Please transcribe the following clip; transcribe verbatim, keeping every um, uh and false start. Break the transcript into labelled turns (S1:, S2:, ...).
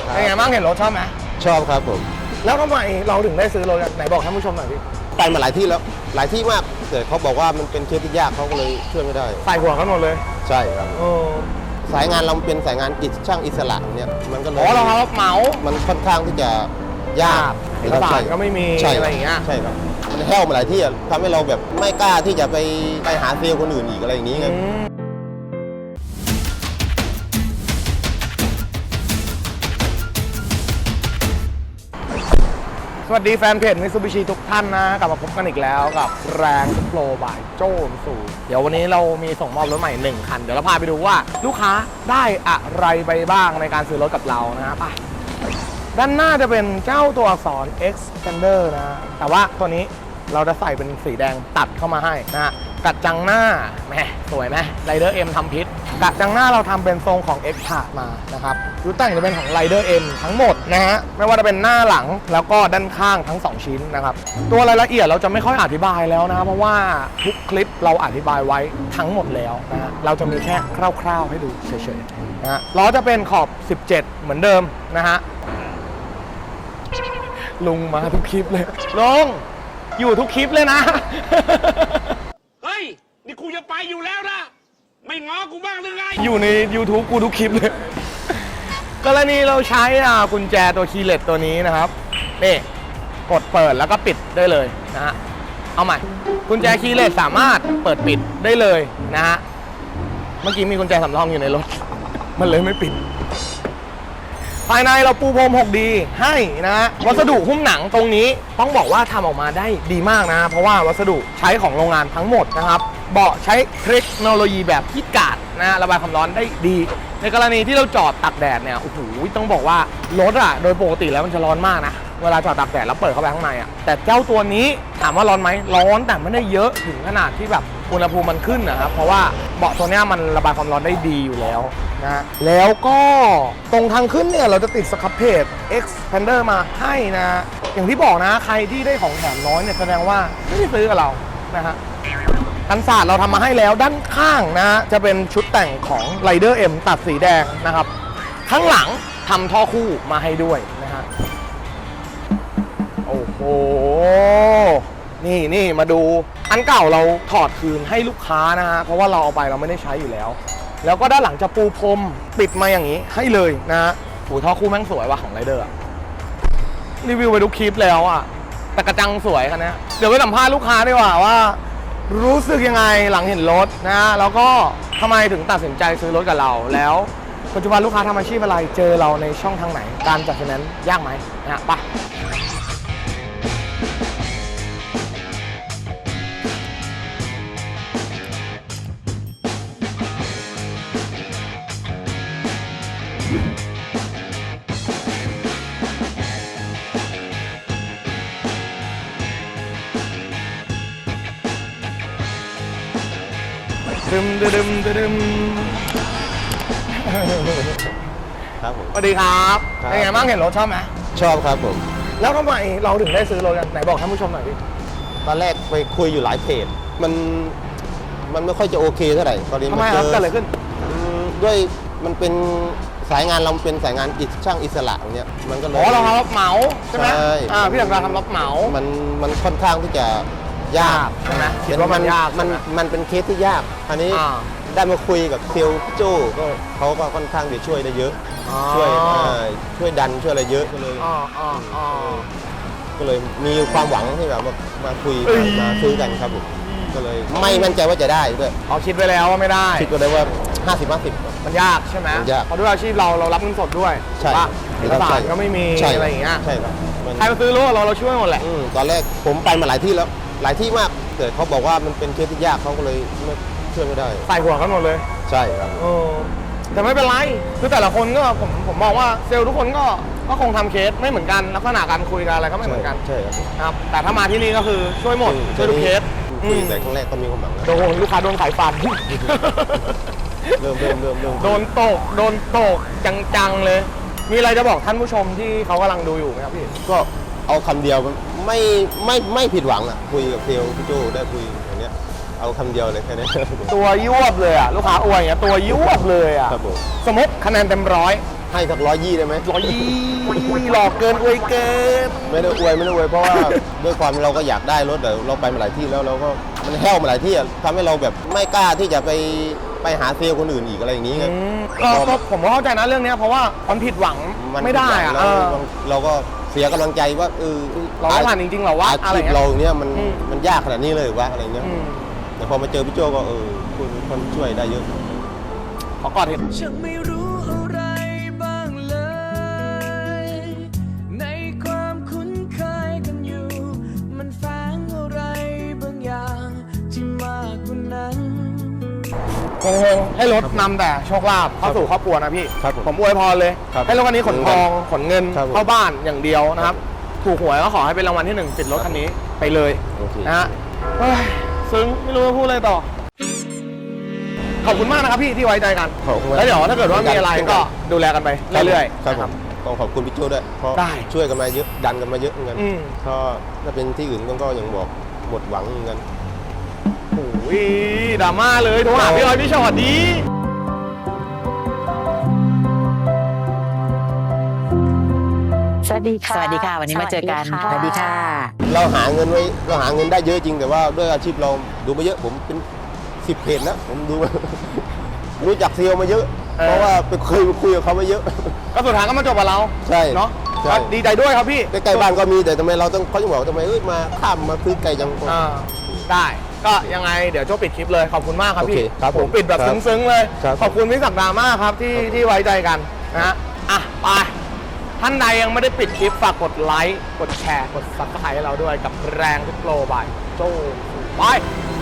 S1: เป็นไงบ้างเห็นรถชอบไหม
S2: ชอบครับผม
S1: แล้วทำไมเราถึงได้ซื้อรถไหนบอกท่านผู้ชมหน่อยพี่
S2: ไปมาหลายที่แล้วหลายที่มากแต่เขาบอกว่ามันเป็นเคสที่ยากเขาก็เลยช่วยไม่ได้
S1: ใส่หัวกันหมดเลย
S2: ใช่ครับสายงานเราเป็นสายงานอิสช่างอิสระเนี่ยมันก็เลย
S1: อ๋อเรารับเหมา
S2: มันค่อนข้างที่จะยาก
S1: เอกสารก็ไม่มีอะไรอย่างเงี้ย
S2: ใช่ครับมันแห้วมาหลายที่ทำให้เราแบบไม่กล้าที่จะไปไปหาเซลล์คนอื่นอีกอะไรอย่างนี้ไง
S1: สวัสดีแฟนเพจมิตซูบิชิทุกท่านนะกลับมาพบกันอีกแล้วกับแรงโปรบายโจ้สูเดี๋ยววันนี้เรามีส่งมอบรถใหม่หนึ่งคันเดี๋ยวเราพาไปดูว่าลูกค้าได้อะไรไปบ้างในการซื้อรถกับเรานะไปด้านหน้าจะเป็นเจ้าตัวอักษร Xpander นะแต่ว่าตัวนี้เราจะใส่เป็นสีแดงตัดเข้ามาให้นะกัดจังหน้าแหมสวยไหม Rider M ทำพิษกัดจังหน้าเราทำเป็นทรงของ X ขาดมานะครับรูปแต่งจะเป็นของ Rider M ทั้งหมดนะฮะไม่ว่าจะเป็นหน้าหลังแล้วก็ด้านข้างทั้งสองชิ้นนะครับตัวรายละเอียดเราจะไม่ค่อยอธิบายแล้วนะเพราะว่าทุกคลิปเราอธิบายไว้ทั้งหมดแล้วนะฮะเราจะมีแค่คร่าวๆให้ดูเฉยๆนะฮะล้อจะเป็นขอบสิบเจ็ดเหมือนเดิมนะฮะลุงมาทุกคลิปเลยลุงอยู่ทุกคลิปเลยนะ
S3: เฮ้ยนี่กูจะไปอยู่แล้วนะไม่ง้อกูบ้างหรือไง
S1: อยู่ใน YouTube กูทุกคลิปเลยกรณีเราใช้กุญแจตัวคีย์เลสตัวนี้นะครับนี่กดเปิดแล้วก็ปิดได้เลยนะฮะเอาใหม่กุญแจคีย์เลสสามารถเปิดปิดได้เลยนะฮะเมื่อกี้มีกุญแจสำรองอยู่ในรถมันเลยไม่ปิดภายในเราปูพรม หกดี ให้นะวัสดุหุ้มหนังตรงนี้ต้องบอกว่าทำออกมาได้ดีมากนะเพราะว่าวัสดุใช้ของโรงงานทั้งหมดนะครับเบาะใช้เทคโนโลยีแบบฮีทการ์ดนะระบายความร้อนได้ดีในกรณีที่เราจอดตากแดดเนี่ยโอ้โหต้องบอกว่ารถอะโดยปกติแล้วมันจะร้อนมากนะเวลาจอดตากแดดแล้วเปิดเข้าไปข้างในอะแต่เจ้าตัวนี้ถามว่าร้อนไหมร้อนแต่ไม่ได้เยอะถึงขนาดที่แบบอุณหภูมิมันขึ้นนะครับเพราะว่าเบาะตัวนี้มันระบายความร้อนได้ดีอยู่แล้วนะแล้วก็ตรงทางขึ้นเนี่ยเราจะติดสครับเพจ Xpander มาให้นะอย่างที่บอกนะใครที่ได้ของแถมน้อยเนี่ยแสดงว่าไม่ได้ซื้อกับเรานะฮะกันศาสตร์เราทำมาให้แล้วด้านข้างนะจะเป็นชุดแต่งของ Rider M ตัดสีแดงนะครับข้างหลังทำท่อคู่มาให้ด้วยนะฮะโอ้โหนี่นี่มาดูอันเก่าเราถอดคืนให้ลูกค้านะฮะเพราะว่าเราเอาไปเราไม่ได้ใช้อยู่แล้วแล้วก็ด้านหลังจะปูพรมปิดมาอย่างนี้ให้เลยนะฮะโอ้ท่อคู่แม่งสวยว่ะของ Rider อะรีวิวไปทุกคลิปแล้วอะแต่กระจังสวยคันนี้เดี๋ยวไปสัมภาษณ์ลูกค้าดีกว่าว่ารู้สึกยังไงหลังเห็นรถนะแล้วก็ทำไมถึงตัดสินใจซื้อรถกับเราแล้วปัจจุบันลูกค้าทำอาชีพอะไรเจอเราในช่องทางไหนการจัดไฟแนนซ์ยากไหมนะไปดึมดึมดึม
S2: ครับผม
S1: สวัสดีครับเป็นไงบ้างเห็นรถชอบไหม
S2: ชอบครับผม
S1: แล้วทำไมเราถึงได้ซื้อรถกันไหนบอกท่านผู้ชมหน่อยพี่
S2: ตอนแรกไปคุยอยู่หลายเพจมันมันไม่ค่อยจะโอเคเท่าไหร่ตอนนี้
S1: ทำไมครับเกิดอะไรขึ้น
S2: ด้วยมันเป็นสายงานเราเป็นสายงานอิสช่างอิสระเนี่ยมันก็เลย
S1: อ๋อเราทำรับเหมาใช่ไหมอ่าพี่ถังการทำรับเหมา
S2: มันมันค่อนข้างที่จะยาก
S1: ใช่ไหมคิดว่ามันยาก
S2: มันมันเป็นเคสที่ยากอันนี้ได้มาคุยกับเซลล์โจ้ก็เขาก็ค่อนข้างจะช่วยได้เยอะช่วยช่วยดันช่วยอะไรเยอะก็เลยก็เลยมีความหวังที่แบบมาคุยมาซื้อกันครับผมก็เลยไม่มั่นใจว่าจะได้ด้วย
S1: อ๋อคิดไว้แล้วว่าไม่ได้
S2: คิดก็ได้ว่าห้าสิบ ห้าสิบ
S1: มันยากใช่ไหมเพราะด้วยอาชีพเราเรารับเงินสดด้วย
S2: ใช่
S1: เอกสารก็ไม่มีอะไรอย่างเงี้ย
S2: ใช่ครับ
S1: ใครมาซื้อรถเราเราช่วยหมดแหละ
S2: ตอนแรกผมไปมาหลายที่แล้วหลายที่มากแต่เขาบอกว่ามันเป็นเคสที่ยากเขาก็เลยไม่ช่วยไม่ได้
S1: ใส่หัวกันหมดเลย
S2: ใช่ครับ
S1: แต่ไม่เป็นไรคือแต่ละคนก็ผมผมมองว่าเซลล์ทุกคนก็ก็คงทำเคสไม่เหมือนกันลักษณะการคุยกันอะไรก็ไม่เหมือนกัน
S2: ใช่
S1: ครับแต่ถ้ามาที่นี่ก็คือช่วยหมดช่วยทุกเคส
S2: คุยแต่ครั้งแรกก็มีความหวัง
S1: โดนลูกค้าโดนสายฟัน
S2: เริ่มเริ่มเริ่มเริ่ม
S1: โดนตกโดนตกจังๆเลยมีอะไรจะบอกท่านผู้ชมที่เขากำลังดูอยู่ไหมครับพี่
S2: ก็เอาคำเดียวไม่ไม่ไม่ผิดหวังอ่ะคุยกับเซลล์พี่โจได้คุยอย่างเนี้ยเอาคำเดียวเลยแค่นี้
S1: ตัวยวบเลยอ่ะลูกค้าอวยอย่างเงี้ยตัวยวบเลยอ่ะสมมติคะแนนเต็มร้อย
S2: ให้สักร้อยยี่ได้ไหม
S1: ร้อยยี่หลอกเกินอวยเกิน
S2: ไม่ได้อวยไม่ได้อวยเพราะว่า ด้วยความเราก็อยากได้รถแต่เราไปมาหลายที่แล้วเราก็มันแห้วมาหลายที่อะทำให้เราแบบไม่กล้าที่จะไปไปหาเซลล์คนอื่นอีกอะไรอย่างนี้ไง
S1: อืมก็ก็ผมก็เข้าใจนะเรื่องเนี้ยเพราะว่ามันผิดหวัง
S2: มัน
S1: ไม่ได้อะ
S2: เรา
S1: เออ
S2: เราก็เสียกำลังใจว่าเออ
S1: เราไม่ผ่านจริงๆเหรอวะ
S2: อา
S1: อะไร
S2: ชีพ
S1: เงี้ย
S2: เราเนี่ยมัน
S1: อืม
S2: มันยากขนาดนี้เลยวะอะไรเงี้ย
S1: อืม
S2: แต่พอมาเจอพี่โจก็เออคุณคนช่วยได้เยอะ
S1: ขอกอดเห็น
S4: ฉันไม่รู้อะไรบ้างเลย ในความคุ้นเคยกันอยู่ มันแฝงอะไรบางอย่างที่มากกว่านั้น
S1: คงๆให้รถนำแต่โชคลาภเข้าสู่ครอบครัวนะพี่
S2: ครับผม
S1: ผมอวยพรเลย
S2: ครับ
S1: ให้รถคันนี้ขนทองขนเงิน
S2: ครับผม
S1: เข้าบ้านอย่างเดียวนะครับ ถูกหวยก็ขอให้เป็นรางวัลที่หนึ่งติดรถคันนี้ไปเลย
S2: โอเค
S1: นะฮะเฮ้ยซึ้งไม่รู้จะพูดอะไรต่อ ขอบคุณมากนะครับพี่ที่ไว้ใจกัน
S2: ขอบคุณมาก
S1: แล้วเดี๋ยวถ้าเกิดว่ามีอะไรก็ดูแลกันไปเรื่อยๆ
S2: ครับ
S1: นะ
S2: ผมต้องขอบคุณพี่โจด้วยเพราะ
S1: ได้
S2: ช่วยกันมาเยอะดันกันมาเยอะเหมือนกัน
S1: อืม
S2: ก็ถ้าเป็นที่อื่นก็ยังบอกหมดหวังเหมือนกัน
S1: โอ้ยดราม่าเลยโทรหาพี่ออยพี่ชอตดี
S5: สวัสดีค่ะ
S6: สวัสดีค่ะ วันนี้มาเจอกัน สวัสดีค่ะ
S2: เราหาเงินไว้เราหาเงินได้เยอะจริงแต่ว่าด้วยอาชีพเราดูมาเยอะผมเป็นสิบเพจนะผมดูมา รู้จักเซลล์มาเยอะ เพราะว่าไปเคยไปคุยกับเขามาเยอะ
S1: ก็สุดท้ายก็มาจบกับเรา
S2: ใช่
S1: เนาะ
S2: ใช่
S1: ก็ดีใจด้วยครับพี่
S2: ใกล้ๆบ้านก็มีแต่ทำไมเราต้องเขาจะบอกว่าทำไมเอ้ยมาข้ามมาซื้อไก่จัง
S1: อ่าได้ก็ยังไงเดี๋ยวโจ้ปิดคลิปเลยขอบคุณมากครับ
S2: โอเค
S1: พี่
S2: ครับผม
S1: ปิดแบบ
S2: ครับ
S1: ซึ้งๆเลย
S2: ครับ
S1: ขอบคุณพี่ศักดามากครับที่ที่ไว้ใจกันนะฮะอ่ะไปท่านใดยังไม่ได้ปิดคลิปฝากกดไลค์กดแชร์กดซับสไครต์ให้เราด้วยกับแรงทุกโปรบายโจ้ไป